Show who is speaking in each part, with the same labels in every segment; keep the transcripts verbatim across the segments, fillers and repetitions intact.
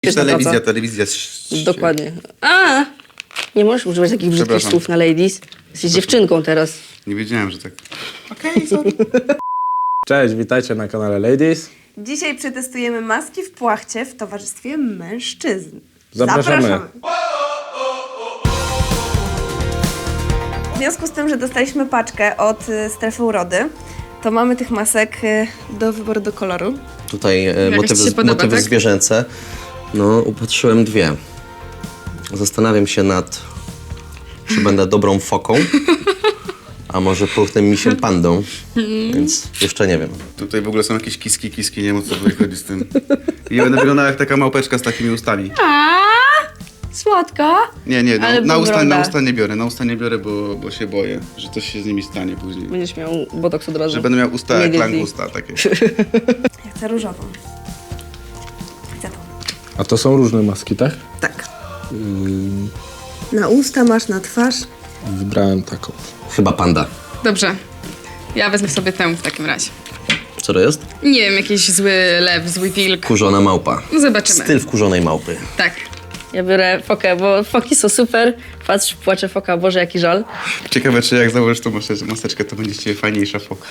Speaker 1: Telewizja, telewizja.
Speaker 2: Dokładnie. A, nie możesz używać takich brzydkich
Speaker 1: Przepraszam.
Speaker 2: słów na ladies. Jesteś dziewczynką teraz.
Speaker 1: Nie wiedziałem, że tak. Okej, okay, sorry.
Speaker 3: Cześć, witajcie na kanale Ladies.
Speaker 4: Dzisiaj przetestujemy maski w płachcie w towarzystwie mężczyzn.
Speaker 3: Zapraszamy.
Speaker 4: W związku z tym, że dostaliśmy paczkę od y, strefy urody, to mamy tych masek y, do wyboru do koloru.
Speaker 5: Tutaj e,
Speaker 6: ci się
Speaker 5: motywy,
Speaker 6: podoba,
Speaker 5: motywy
Speaker 6: tak?
Speaker 5: zwierzęce. No, upatrzyłem dwie. Zastanawiam się nad, czy będę dobrą foką, a może puchnym misiem pandą, więc jeszcze nie wiem.
Speaker 1: Tutaj w ogóle są jakieś kiski, kiski, nie wiem o co tutaj chodzi z tym. I będę wyglądała jak taka małpeczka z takimi ustami.
Speaker 2: Słodka.
Speaker 1: Nie, nie, no,
Speaker 2: Ale
Speaker 1: na, usta,
Speaker 2: wygląda.
Speaker 1: na usta nie biorę, na usta nie biorę, bo, bo się boję, że coś się z nimi stanie później.
Speaker 2: Będziesz miał botoks od razu.
Speaker 1: Że będę miał usta jak
Speaker 2: Immediately.
Speaker 1: langusta takie.
Speaker 4: Ja chcę różową. Chcę tą.
Speaker 3: A to są różne maski, tak?
Speaker 4: Tak. Na usta masz, na twarz.
Speaker 3: Wybrałem taką.
Speaker 5: Chyba panda.
Speaker 6: Dobrze. Ja wezmę sobie tę w takim razie.
Speaker 5: Co to jest?
Speaker 6: Nie wiem, jakiś zły lew, zły wilk.
Speaker 5: Kurzona małpa.
Speaker 6: No zobaczymy.
Speaker 5: Styl wkurzonej małpy.
Speaker 6: Tak.
Speaker 2: Ja biorę fokę, bo foki są super. Patrz, płacze foka, Boże, jaki żal.
Speaker 1: Ciekawe, czy jak założysz tą maseczkę, maseczkę to będzie z ciebie fajniejsza foka.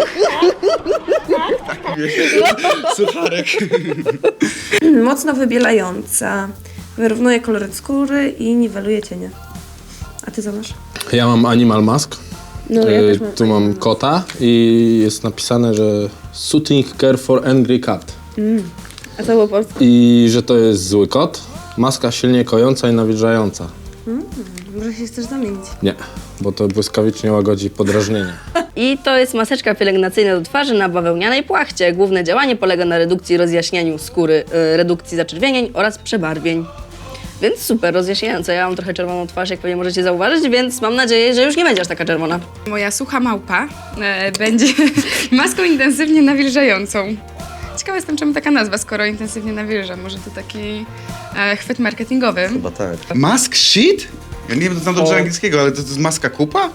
Speaker 1: Taki wiesz, sucharek.
Speaker 4: Mocno wybielająca. Wyrównuje kolory skóry i niweluje cienie. A ty co masz?
Speaker 3: Ja mam Animal Mask.
Speaker 4: No, ja
Speaker 3: E,
Speaker 4: też mam
Speaker 3: tu mam kota i jest napisane, że Soothing Care for Angry Cat.
Speaker 4: A co było polskie?
Speaker 3: I że to jest zły kot. Maska silnie kojąca i nawilżająca.
Speaker 4: Może się chcesz zamienić.
Speaker 3: Nie, bo to błyskawicznie łagodzi podrażnienie.
Speaker 2: I to jest maseczka pielęgnacyjna do twarzy na bawełnianej płachcie. Główne działanie polega na redukcji i rozjaśnianiu skóry, y, redukcji zaczerwienień oraz przebarwień. Więc super rozjaśniające. Ja mam trochę czerwoną twarz, jak pewnie możecie zauważyć, więc mam nadzieję, że już nie będzie aż taka czerwona.
Speaker 6: Moja sucha małpa e, będzie maską intensywnie nawilżającą. Ciekawa jestem, czemu taka nazwa, skoro intensywnie nawilża. Może to taki e, chwyt marketingowy.
Speaker 5: Chyba tak.
Speaker 1: Mask shit? Ja nie wiem, znam dobrze angielskiego, ale to, to jest maska kupa?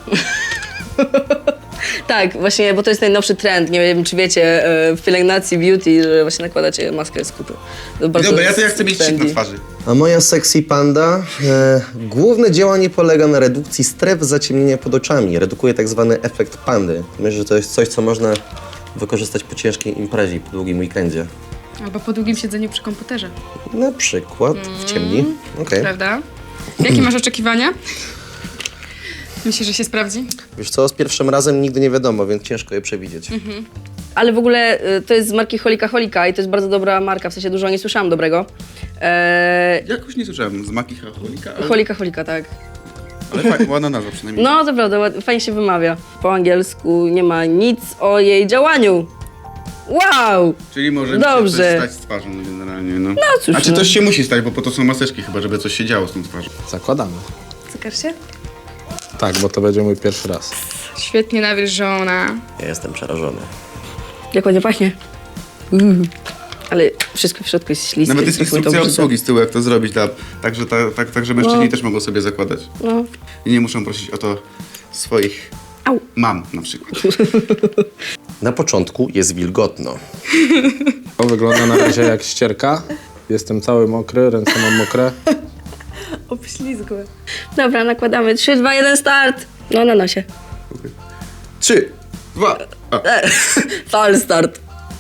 Speaker 2: Tak, właśnie, bo to jest najnowszy trend. Nie wiem, czy wiecie, y, w pielęgnacji beauty, że właśnie nakładacie maskę z kupy. To bardzo
Speaker 1: Dobra, ja
Speaker 2: jest
Speaker 1: to ja chcę mieć shit na
Speaker 2: trendy.
Speaker 1: twarzy.
Speaker 5: A moja sexy panda, e, główne działanie polega na redukcji stref zaciemnienia pod oczami. Redukuje tak zwany efekt pandy. Myślę, że to jest coś, co można wykorzystać po ciężkiej imprezie, po długim weekendzie.
Speaker 6: Albo po długim siedzeniu przy komputerze,
Speaker 5: Na przykład w ciemni. Okej.
Speaker 6: prawda? Jakie masz oczekiwania? Myślisz, że się sprawdzi?
Speaker 5: Wiesz co, z pierwszym razem nigdy nie wiadomo, więc ciężko je przewidzieć.
Speaker 2: Ale w ogóle y, to jest z marki Holika Holika i to jest bardzo dobra marka, w sensie dużo nie słyszałam dobrego. Eee,
Speaker 1: Jakoś nie słyszałem, z maki cholika, ale,
Speaker 2: Holika Holika, tak.
Speaker 1: ale fajna, ładna nazwa przynajmniej.
Speaker 2: No, to prawda, ład- fajnie się wymawia. Po angielsku nie ma nic o jej działaniu. Wow!
Speaker 1: Czyli może
Speaker 2: Dobrze.
Speaker 1: się coś stać z twarzą no, generalnie, no.
Speaker 2: cóż,
Speaker 1: A czy
Speaker 2: no.
Speaker 1: coś się musi stać, bo po to są maseczki chyba, żeby coś się działo z tą twarzą.
Speaker 3: Zakładamy.
Speaker 4: Cykasz się?
Speaker 3: Tak, bo to będzie mój pierwszy raz.
Speaker 6: Świetnie nawilżona.
Speaker 5: Ja jestem przerażony.
Speaker 2: Jak ładnie pachnie. Mm. Ale wszystko w środku jest śliskie.
Speaker 1: Nawet jest
Speaker 2: smakuje to
Speaker 1: instrukcja
Speaker 2: brzydko.
Speaker 1: obsługi z tyłu, jak to zrobić, tak, tak, że, tak, tak, tak, że mężczyźni
Speaker 2: No.
Speaker 1: też mogą sobie zakładać.
Speaker 2: No.
Speaker 1: I nie muszą prosić o to swoich
Speaker 2: Au.
Speaker 1: mam na przykład.
Speaker 5: Na początku jest wilgotno.
Speaker 3: To wygląda na razie jak ścierka. Jestem cały mokry, ręce mam mokre.
Speaker 4: Obślizgłe.
Speaker 2: Dobra, nakładamy. trzy, dwa, jeden, start! No, na nosie.
Speaker 1: Trzy, dwa, a.
Speaker 2: Fal start.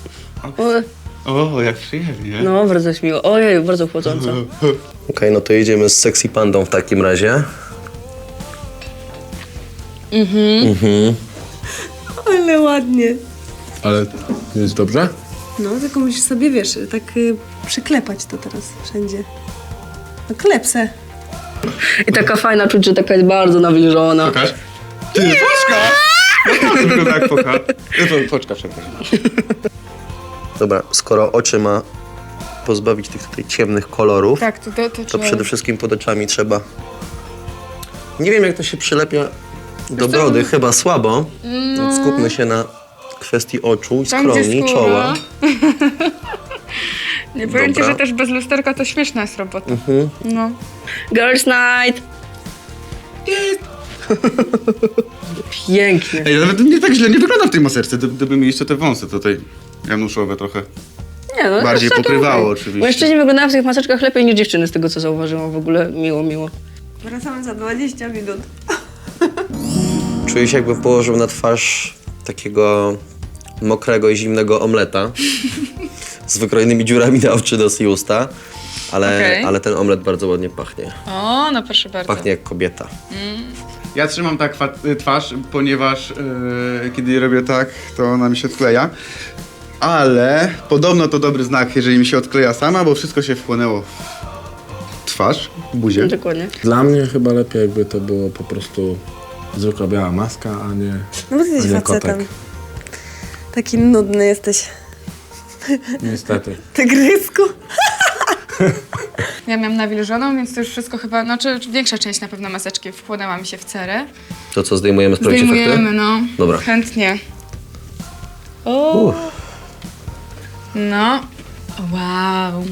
Speaker 2: O,
Speaker 1: O, jak przyjemnie.
Speaker 2: no, bardzo jest miło. Ojej, bardzo chłodząco.
Speaker 5: Okej, no to jedziemy z sexy pandą w takim razie.
Speaker 4: Ale ładnie.
Speaker 3: Ale jest dobrze?
Speaker 4: No, tylko musisz sobie, wiesz, tak y, przyklepać to teraz wszędzie. No klepsę.
Speaker 2: I taka fajna czuć, że taka jest bardzo nawilżona.
Speaker 1: Pokaż. Ty, foczka! To wygląda jak foka. Ja to foczka, przepraszam.
Speaker 5: Dobra, skoro oczy ma pozbawić tych tutaj ciemnych kolorów,
Speaker 6: Tak, to, to, to,
Speaker 5: to
Speaker 6: trzeba-
Speaker 5: przede wszystkim pod oczami trzeba... Nie wiem, jak to się przylepia do brody, chyba słabo. Więc skupmy się na kwestii oczu,
Speaker 6: Tam, gdzie
Speaker 5: skroni,
Speaker 6: skóra.
Speaker 5: czoła.
Speaker 6: Nie powiem ci,
Speaker 5: Dobra.
Speaker 6: że też bez lusterka to śmieszna jest robota. No.
Speaker 2: Girls night! Pięknie.
Speaker 1: Ej, nawet nie tak źle nie wygląda w tej maseczce, gdy- gdyby mi jeszcze te wąsy tutaj januszowe trochę.
Speaker 2: Nie, no,
Speaker 1: Bardziej
Speaker 2: całkiem
Speaker 1: pokrywało
Speaker 2: okej.
Speaker 1: oczywiście.
Speaker 2: Mężczyźni wyglądają w tych maseczkach lepiej niż dziewczyny, z tego co zauważyłam w ogóle. Miło, miło.
Speaker 4: Wracamy za dwadzieścia minut.
Speaker 5: Czuję się, jakbym położył na twarz takiego mokrego i zimnego omleta z wykrojonymi dziurami na oczy, nos i usta, ale,
Speaker 6: Okej.
Speaker 5: ale ten omlet bardzo ładnie pachnie.
Speaker 6: O, no proszę bardzo.
Speaker 5: Pachnie jak kobieta.
Speaker 1: Ja trzymam tak fa- twarz, ponieważ yy, kiedy robię tak, to ona mi się odkleja. Ale podobno to dobry znak, jeżeli mi się odkleja sama, bo wszystko się wchłonęło w twarz, w buzię.
Speaker 2: Dokładnie.
Speaker 3: Dla mnie chyba lepiej, jakby to było po prostu zwykła biała maska, a nie,
Speaker 4: No bo ty
Speaker 3: a
Speaker 4: jesteś
Speaker 3: nie
Speaker 4: facetem.
Speaker 3: kotek.
Speaker 4: Taki nudny jesteś.
Speaker 3: Niestety.
Speaker 4: Tygrysku.
Speaker 6: Ja miałam nawilżoną, więc to już wszystko chyba, no czy, czy większa część na pewno maseczki wchłonęła mi się w cerę.
Speaker 5: To co, zdejmujemy, sprawdzić
Speaker 6: Zdejmujemy,
Speaker 5: efekty?
Speaker 6: no.
Speaker 5: Dobra.
Speaker 6: Chętnie. O. No. Wow.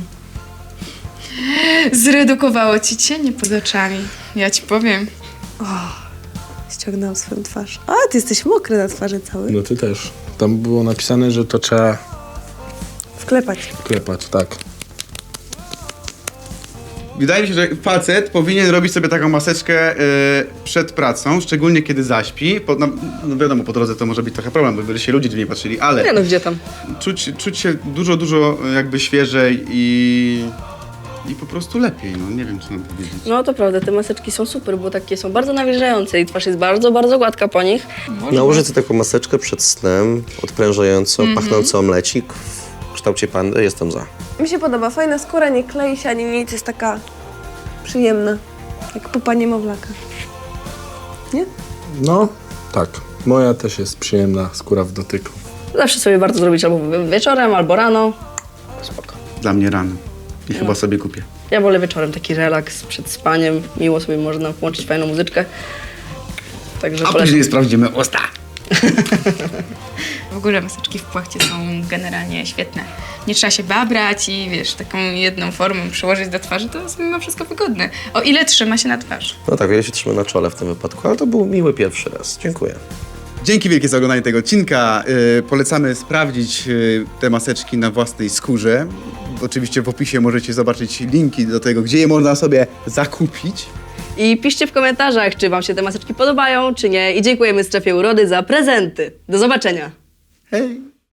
Speaker 6: Zredukowało ci cienie pod oczami. Ja ci powiem.
Speaker 4: Ściągnął swoją twarz. A, ty jesteś mokry na twarzy cały.
Speaker 3: No ty też. Tam było napisane, że to trzeba
Speaker 4: Wklepać.
Speaker 3: klepać, tak.
Speaker 1: Wydaje mi się, że facet powinien robić sobie taką maseczkę yy, przed pracą, szczególnie kiedy zaśpi. Po, no, no wiadomo, po drodze to może być trochę problem, bo by się ludzie dziwnie patrzyli, ale
Speaker 2: Nie no, gdzie tam?
Speaker 1: czuć, czuć się dużo, dużo jakby świeżej i, i po prostu lepiej. No nie wiem, co mam powiedzieć.
Speaker 2: No to prawda, te maseczki są super, bo takie są bardzo nawilżające i twarz jest bardzo, bardzo gładka po nich.
Speaker 5: Nałożę sobie taką maseczkę przed snem, odprężającą,
Speaker 6: Mhm.
Speaker 5: pachnący omlecik w kształcie pandy. Jestem za.
Speaker 4: Mi się podoba. Fajna skóra, nie klei się ani nic. Jest taka przyjemna. Jak pupa niemowlaka. Nie?
Speaker 3: No, tak. Moja też jest przyjemna skóra w dotyku.
Speaker 2: Zawsze sobie warto zrobić albo wieczorem, albo rano. Spoko.
Speaker 1: Dla mnie rano. I chyba sobie kupię.
Speaker 2: Ja wolę wieczorem taki relaks przed spaniem. Miło sobie można włączyć fajną muzyczkę. Także
Speaker 1: A
Speaker 2: polecam.
Speaker 1: później sprawdzimy usta.
Speaker 6: W ogóle maseczki w płachcie są generalnie świetne. Nie trzeba się babrać i wiesz, taką jedną formą przyłożyć do twarzy, to jest mimo wszystko wygodne. O ile trzyma się na twarz.
Speaker 5: No tak, ja się trzymam na czole w tym wypadku, ale to był miły pierwszy raz. Dziękuję.
Speaker 1: Dzięki wielkie za oglądanie tego odcinka. Yy, polecamy sprawdzić yy, te maseczki na własnej skórze. Oczywiście w opisie możecie zobaczyć linki do tego, gdzie je można sobie zakupić.
Speaker 2: I piszcie w komentarzach, czy wam się te maseczki podobają, czy nie. I dziękujemy Strefie Urody za prezenty. Do zobaczenia.
Speaker 1: Hej!